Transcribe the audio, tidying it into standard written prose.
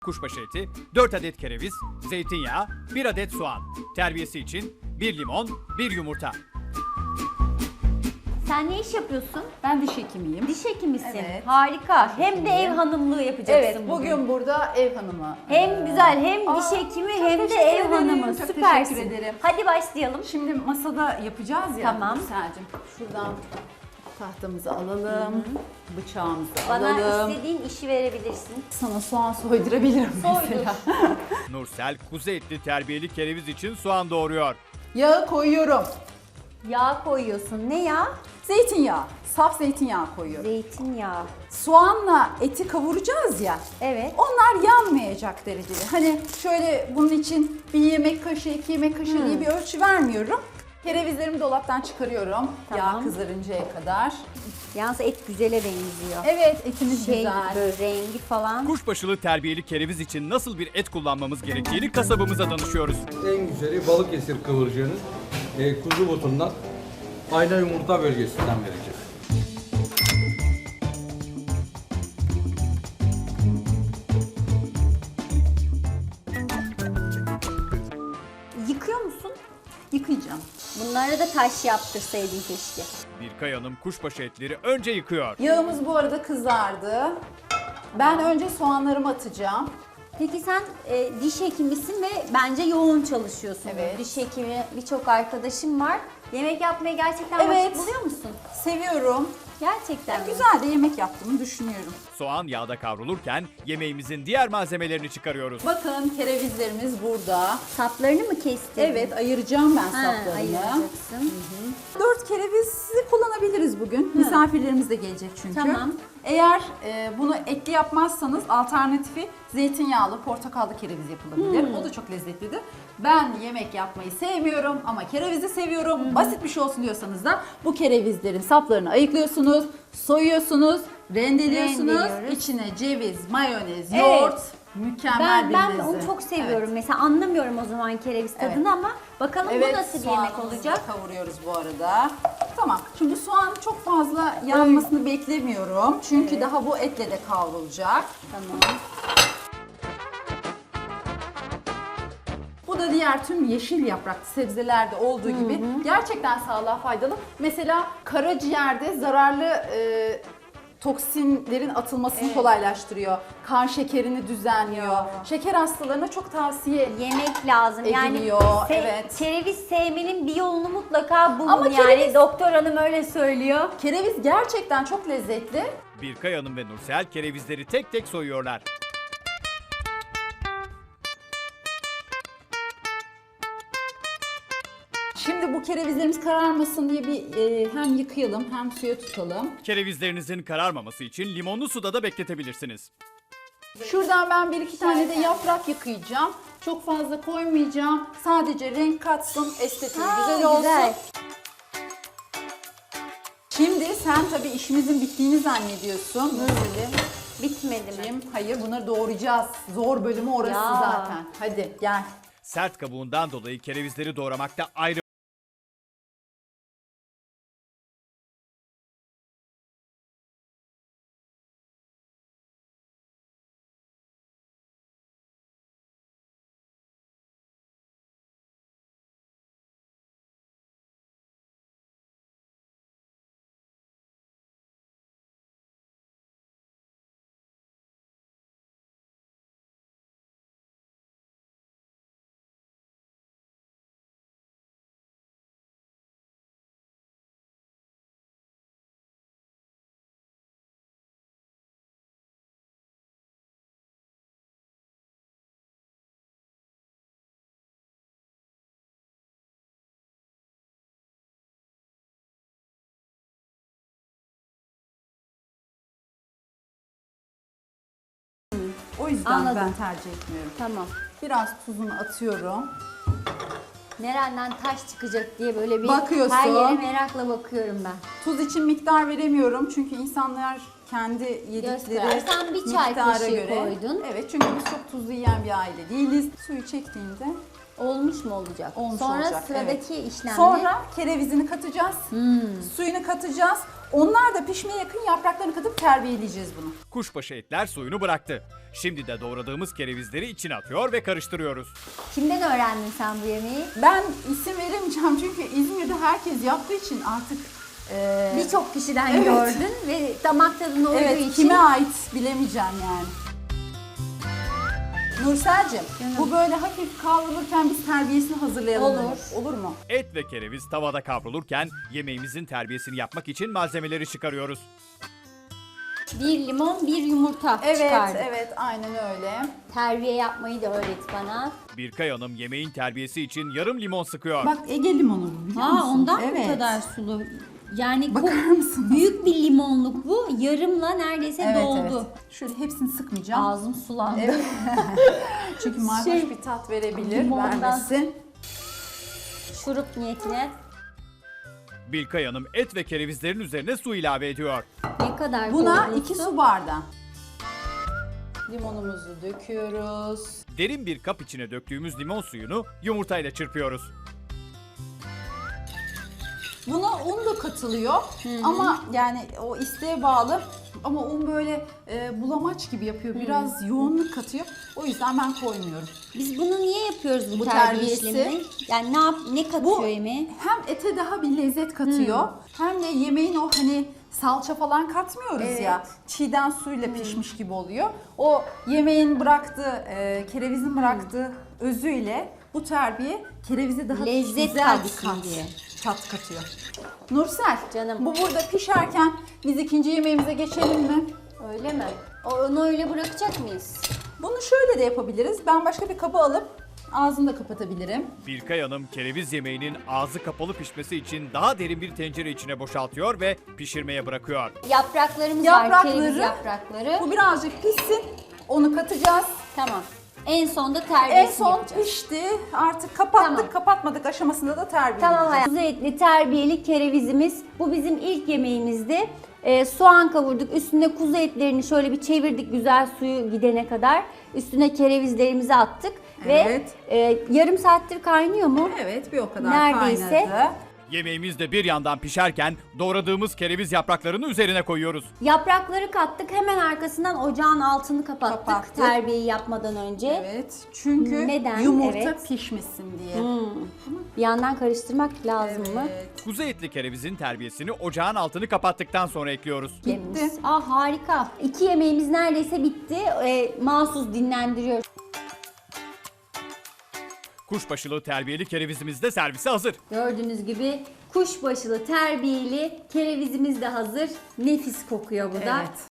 Kuşbaşı eti, 4 adet kereviz, zeytinyağı, 1 adet soğan. Terbiyesi için 1 limon, 1 yumurta. Sen ne iş yapıyorsun? Ben diş hekimiyim. Diş hekimisin. Evet. Harika. Hem de ev hanımlığı yapacaksın Evet, bugün burada ev hanımı. Hem güzel hem Aa, diş hekimi çok hem de teşekkür ev ederim, hanımı. çok Süpersin. teşekkür ederim. Hadi başlayalım. Şimdi masada yapacağız ya. Tamam. Nursel'cim, şuradan tahtamızı alalım, bıçağımızı Bana alalım. istediğin işi verebilirsin. Sana soğan soydurabilirim mesela. Nursel kuzu etli terbiyeli kereviz için soğan doğuruyor. Yağı koyuyorum. Yağ koyuyorsun. Ne yağ? Zeytinyağı, saf zeytinyağı koyuyorum. Zeytinyağı. Soğanla eti kavuracağız ya. Evet. Onlar yanmayacak derecede. Hani şöyle bunun için bir yemek kaşığı, 2 yemek kaşığı diye bir ölçü vermiyorum. Kerevizlerimi dolaptan çıkarıyorum. Tamam. Yağ kızarıncaya kadar. Yalnız et güzele benziyor. Evet, etimiz Şey güzel. böyle rengi falan. Kuşbaşılı terbiyeli kereviz için nasıl bir et kullanmamız gerektiğini kasabımıza danışıyoruz. En güzeli Balıkesir kıvırcığının kuzu butundan ayna yumurta bölgesinden verecek. Yıkıyor musun? Yıkayacağım. Bunları da taş yaptırsaydın keşke. Birkay Hanım kuşbaşı etleri önce yıkıyor. Yağımız bu arada kızardı. Ben önce soğanlarımı atacağım. Peki sen diş hekimisin ve bence yoğun çalışıyorsun. Evet. Diş hekimi birçok arkadaşım var. Yemek yapmaya gerçekten Evet. vakit buluyor musun? Seviyorum. Gerçekten mi? Güzel de yemek yaptığımı düşünüyorum. Soğan yağda kavrulurken yemeğimizin diğer malzemelerini çıkarıyoruz. Bakın kerevizlerimiz burada. Saplarını mı kestin? Evet, ayıracağım ben Ha, saplarını. ayıracaksın. 4 kerevizi kullanabiliriz bugün. Misafirlerimiz de gelecek çünkü. Tamam. Eğer bunu etli yapmazsanız alternatifi zeytinyağlı, portakallı kereviz yapılabilir. O da çok lezzetlidir. Ben yemek yapmayı sevmiyorum ama kerevizi seviyorum. Basit bir şey olsun diyorsanız da bu kerevizlerin saplarını ayıklıyorsunuz, soyuyorsunuz, rendeliyorsunuz. Rendeliyoruz. İçine ceviz, mayonez, Evet. yoğurt. Mükemmel bir Ben lezzet. onu çok seviyorum. Evet. Mesela anlamıyorum o zaman kereviz tadını Evet. ama bakalım bu nasıl bir yemek soğanımızı olacak? da kavuruyoruz bu arada. Tamam. Şimdi soğan çok fazla yanmasını beklemiyorum. Çünkü daha bu etle de kavrulacak. Tamam. Bu da diğer tüm yeşil yapraklı sebzelerde olduğu gibi gerçekten sağlığa faydalı. Mesela karaciğerde zararlı toksinlerin atılmasını kolaylaştırıyor. Kan şekerini düzenliyor. Şeker hastalarına çok tavsiye Yemek lazım. Yani Ediliyor, evet. kereviz sevmenin bir yolunu mutlaka bulun. Ama Yani kereviz- doktor hanım öyle söylüyor. Kereviz gerçekten çok lezzetli. Birkay Hanım ve Nursel kerevizleri tek tek soyuyorlar. Şimdi bu kerevizlerimiz kararmasın diye bir hem yıkayalım hem suya tutalım. Kerevizlerinizin kararmaması için limonlu suda da bekletebilirsiniz. Şuradan ben bir iki tane de yaprak yıkayacağım. Çok fazla koymayacağım. Sadece renk katsın, estetiği güzel olsun. Güzel. Şimdi sen tabii işimizin bittiğini zannediyorsun. Bitmedi mi? Hayır, bunları doğrayacağız. Zor bölümü orası Ya. zaten. Hadi gel. Sert kabuğundan dolayı kerevizleri doğramakta ayrı O yüzden Anladım. ben tercih etmiyorum. Tamam. Biraz tuzunu atıyorum. Nereden taş çıkacak diye böyle bir Bakıyorsun. her yere merakla bakıyorum ben. Tuz için miktar veremiyorum çünkü insanlar kendi yedikleri Göster. Sen bir çay miktara kaşığı koydun. Evet, çünkü biz çok tuzlu yiyen bir aile değiliz. Suyu çektiğinde Olmuş mu olacak? olmuş Sonra olacak. sıradaki Evet. işlem ne? Sonra kerevizini katacağız. Suyunu katacağız. Onlar da pişmeye yakın yapraklarını katıp terbiyeleyeceğiz bunu. kuşbaşı etler suyunu bıraktı. Şimdi de doğradığımız kerevizleri içine atıyor ve karıştırıyoruz. Kimden öğrendin sen bu yemeği? Ben isim veremeyeceğim çünkü İzmir'de herkes yaptığı için artık Birçok kişiden Evet. gördün ve damak tadına uyduğu evet, için. kime ait bilemeyeceğim yani. Nursel'cim, bu böyle hafif kavrulurken biz terbiyesini hazırlayalım. Olur. Olur mu? Et ve kereviz tavada kavrulurken yemeğimizin terbiyesini yapmak için malzemeleri çıkarıyoruz. 1 limon, 1 yumurta Evet, çıkardık. evet, aynen öyle. Terbiye yapmayı da öğret bana. Birkay Hanım yemeğin terbiyesi için yarım limon sıkıyor. Bak Ege limonu bu, biliyor musun? Ondan evet. bu kadar sulu. Yani Bakar mısın? büyük bir limonluk bu. Yarımla neredeyse Evet, doldu. evet. Şöyle hepsini sıkmayacağım. Ağzım sulandı. Evet. Çünkü mayhoş Şey, bir tat verebilir, limondan- vermesin. Şurup niyetine Birkay Hanım et ve kerevizlerin üzerine su ilave ediyor. ne kadar Buna koydun 2 su bardağı. Limonumuzu döküyoruz. Derin bir kap içine döktüğümüz limon suyunu yumurtayla çırpıyoruz. Buna un da katılıyor ama yani o isteğe bağlı. Ama un böyle bulamaç gibi yapıyor. Biraz yoğunluk katıyor. O yüzden ben koymuyorum. Biz bunu niye yapıyoruz bu Bu terbiye terbiyesi. işlemini? Yani ne katıyor Bu yemeğe? hem ete daha bir lezzet katıyor hem de yemeğin o hani salça falan katmıyoruz Evet. ya. Çiğden suyla pişmiş gibi oluyor. O yemeğin bıraktığı, kerevizin bıraktığı özüyle bu terbiye kerevize daha Lezzet güzel bir katsın diye. tat katıyor. Nursel, Canım. bu burada pişerken biz ikinci yemeğimize geçelim mi? Öyle mi? Onu öyle bırakacak mıyız? Bunu şöyle de yapabiliriz. Ben başka bir kaba alıp ağzını da kapatabilirim. Birkay Hanım kereviz yemeğinin ağzı kapalı pişmesi için daha derin bir tencere içine boşaltıyor ve pişirmeye bırakıyor. Yapraklarımız var, kereviz yaprakları. Bu birazcık pişsin. Onu katacağız. Tamam. En sonda En terbiyesini son yapacağız. pişti. Artık kapattık, Tamam. kapatmadık aşamasında da terbiye Tamam edeceğiz. hayatım. Kuzu etli terbiyeli kerevizimiz. Bu bizim ilk yemeğimizdi. Soğan kavurduk. Üstüne kuzu etlerini şöyle bir çevirdik güzel suyu gidene kadar. Üstüne kerevizlerimizi attık. Evet. Ve yarım saattir kaynıyor mu? Evet, bir o kadar Neredeyse. kaynadı. Yemeğimiz de bir yandan pişerken doğradığımız kereviz yapraklarını üzerine koyuyoruz. Yaprakları kattık. Hemen arkasından ocağın altını kapattık. Kapattık. Terbiyeyi yapmadan önce. Evet, çünkü Neden? yumurta Evet. pişmesin diye. Bir yandan karıştırmak lazım mı? Evet. Kuzu etli kerevizin terbiyesini ocağın altını kapattıktan sonra ekliyoruz. Yemeğimiz. Harika. 2 yemeğimiz neredeyse bitti. Mahsus dinlendiriyoruz. Kuşbaşılı terbiyeli kerevizimiz de servise hazır. Gördüğünüz gibi kuşbaşılı terbiyeli kerevizimiz de hazır. Nefis kokuyor bu da. Evet.